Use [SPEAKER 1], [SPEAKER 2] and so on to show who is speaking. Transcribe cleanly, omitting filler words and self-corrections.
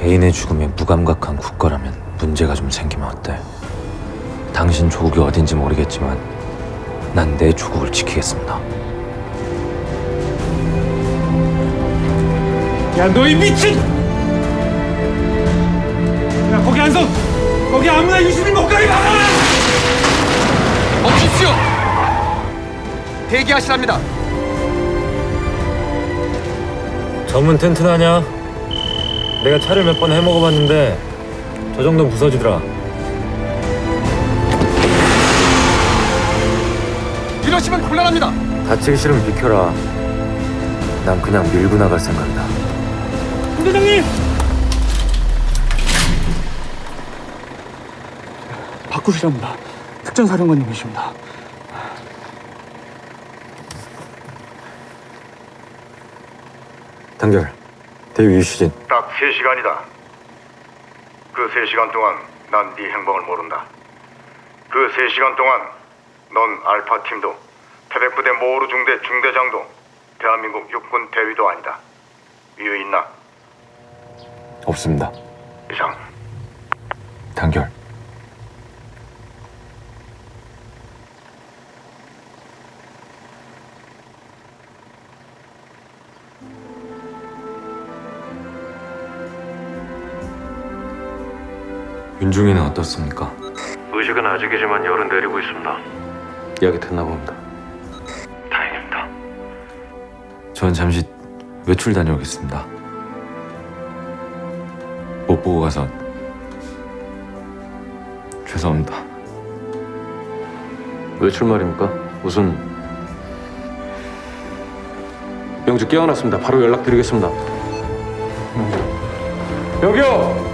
[SPEAKER 1] 개인의 죽음에 무감각한 국가라면 문제가 좀 생기면 어때? 당신 조국이 어딘지 모르겠지만 난 내 조국을 지키겠습니다.
[SPEAKER 2] 야, 너 이 미친! 야, 거기 안 서! 거기 아무나 유시민 못 가게 막아!
[SPEAKER 3] 멈추십시오! 대기하시랍니다.
[SPEAKER 1] 점은 튼튼하냐? 내가 차를 몇 번 해먹어봤는데 저 정도는 부서지더라.
[SPEAKER 3] 이러시면 곤란합니다.
[SPEAKER 1] 다치기 싫으면 비켜라. 난 그냥 밀고 나갈 생각이다.
[SPEAKER 2] 부대장님! 바꾸시랍니다. 특전사령관님이십니다.
[SPEAKER 1] 단결, 대위 유시진.
[SPEAKER 4] 딱 3시간이다. 그 3시간 동안 난 네 행방을 모른다. 그 3시간 동안 넌 알파팀도 태백부대 모으루 중대 중대장도 대한민국 육군 대위도 아니다. 이유 있나?
[SPEAKER 1] 없습니다.
[SPEAKER 4] 이상.
[SPEAKER 1] 단결. 윤중이는 어떻습니까?
[SPEAKER 5] 의식은 아직이지만 열은 내리고 있습니다.
[SPEAKER 1] 이야기 듣나 봅니다.
[SPEAKER 5] 다행입니다.
[SPEAKER 1] 전 잠시 외출 다녀오겠습니다. 못 보고 가서 죄송합니다.
[SPEAKER 6] 외출 말입니까? 무슨 명주 깨어났습니다. 바로 연락드리겠습니다. 여기요!